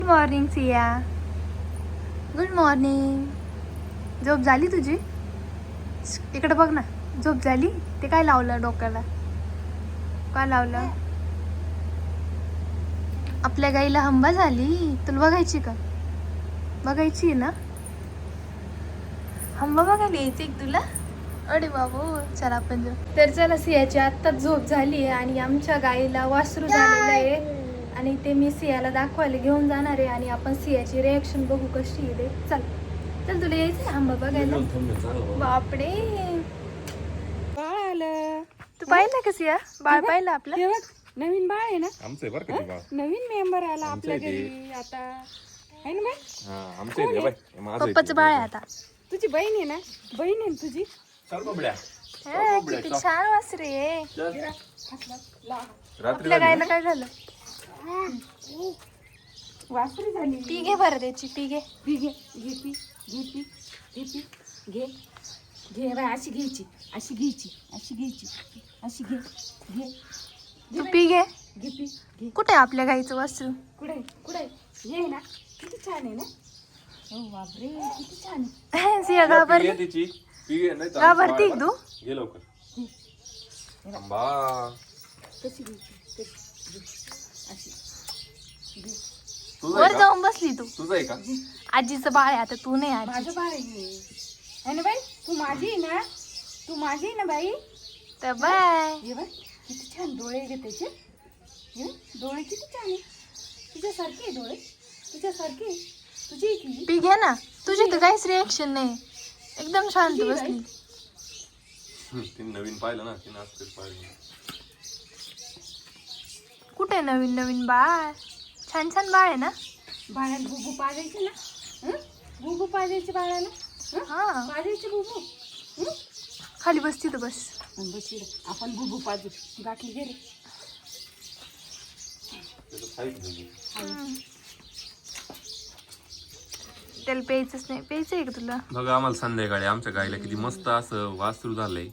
Good morning Siya. Good morning. झोप झाली तुझी? इकडे बघ ना. झोप झाली? ते काय लावलं डोक्याला? काय लावलं? आपल्या गाईला हंबा झाली. तुला बघायची का? बघायची ना? हंबा बघायला यायची तुला? अरे बाबू, चला आपण जाऊ. तर चला, सियाची आत्ताच झोप झाली आहे आणि आमच्या गाईला वासरू झालेलं आहे आणि ते मी सियाला दाखवायला घेऊन जाणार आहे आणि आपण सियाची रिॲक्शन बघू कशी आहे. चल चल, तुला यायचं ना हंबा बघायला? बापडे, बाळ आलं. तू पाहिलं का सिया? बाळ पाहिलं आपलं? हे बघ, नवीन बाळ आहे ना. आमचं आहे बरं का ते बाळ. नवीन मेंबर आला आमचं आपल्या आहे ते. घरी आता, आहे ना बाई? हा, आमचं आहे ते बाई. हे माझं आहे पप्पाचं ते. बाळ आहे आता. तुझी बहीण आहे ना? बहीण आहे ना तुझी? चल बबड्या. हे, किती छान वासरे आहे. रात्री आपल्या गायला काय झालं? वासरी झाली. पी घे बरं त्याची, पी घे. पी घे, घे पी, घे पी, घे पी, घे घे बाई. अशी घ्यायची, अशी घ्यायची, अशी घ्यायची, अशी घे, घे तू पी घे. घे पी, घे. कुठे आहे आपल्या गाईचं वासरू? कुठे कुठे ये ना. किती छान आहे ना. हो बापरे, किती छान आहे. सिया पी घाबरली? घे तिची. पी घे, नाही तर घाबरती आमचं तू? बाळ. घे लवकर. आंबा. कशी घ्यायची, कशी घे. अशी घे. तुझं वर आहे का? जाऊन बसली तू. तुझं आहे का? आजीचं बाळ आहे आता, तू नाही आजी. माझं बाळ आहे ना बाई. तू माझी आहे ना. तू माझी आहे ना बाई. तर बाय. हे बाई, किती छान डोळे आहे ग त्याचे. हे बघ, डोळे किती छान आहे. तुझ्यासारखे आहे डोळे, तुझ्यासारखे आहे. तुझी आहे की? पी घे ना. तुझी तर काहीच रिएक्शन नाही, एकदम शांत तुझी बसली. तिने नवीन पाहिलं ना, तिने आज तेच पाहिलं. कुठे नवीन नवीन बाळ? छान छान बाळ आहे ना. बाळाला बुबू पाजायचे ना. हं? बुबू पाजायचे बाळाला. हं? हा, पाजायचे बुबू. हं? खाली बस तिथं बस. आणि बस इकडे. आपण बुबू पाजू. गाठली गेले. त्याचं खाईच नाही. त्याला प्यायचंच नाही. प्यायचं आहे का तुला? बघा, आम्हाला संध्याकाळी आमच्या गाईला किती मस्त असं वासरू झालंय.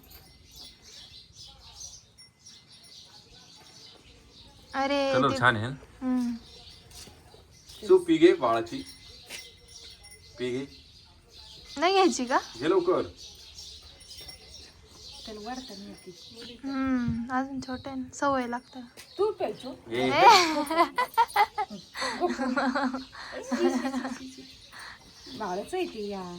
अरे कलर ते- छान आहे. हम्म. तू पी घे बाळाची. पी घे. नाही घ्यायची का? घे लवकर. त्याला वाढता नाही येते. अजून छोटे आहे ना, सवय लागतं. तू प्यायचो. घे. बाळच आहे ते या.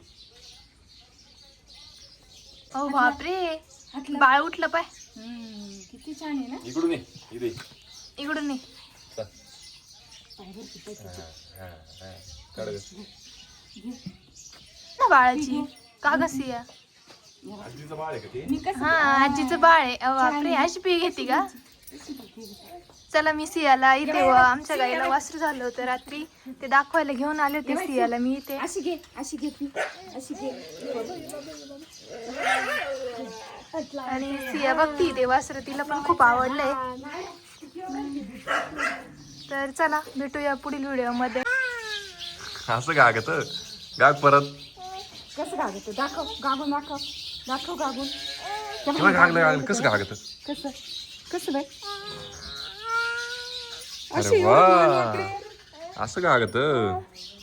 ओ बापरे, हातला. बाळ उठलं पाय. किती छान आहे ना. इकडून ये. इथे. इकडून ये. चल. पाय भरती पाय तिचे. हा, हा. काढ गं. घे. ना बाळाची का कशी आहे? आजीचं बाळ आहे का ते? मी कसं हा, आजीचं बाळ आहे. अ बापरे, अशी पी घेते का? चला, मी सियाला इथे आमच्या गाईला वासरू झालं होतं रात्री, ते दाखवायला घेऊन आले होते सियाला मी इथे. अशी घे, अशी घे ती, अशी घे. आणि सिया बघती ते वासरू, तिला पण खूप आवडलंय. तर चला, भेटूया पुढील व्हिडिओमध्ये. असं गागत गाग परत. कसं गागत दाखव, गागून दाखव, दाखव गागून. केव्हा गागलं गागलं कसं गागत? कसं कसं बाई. अरे वा, असं गागत.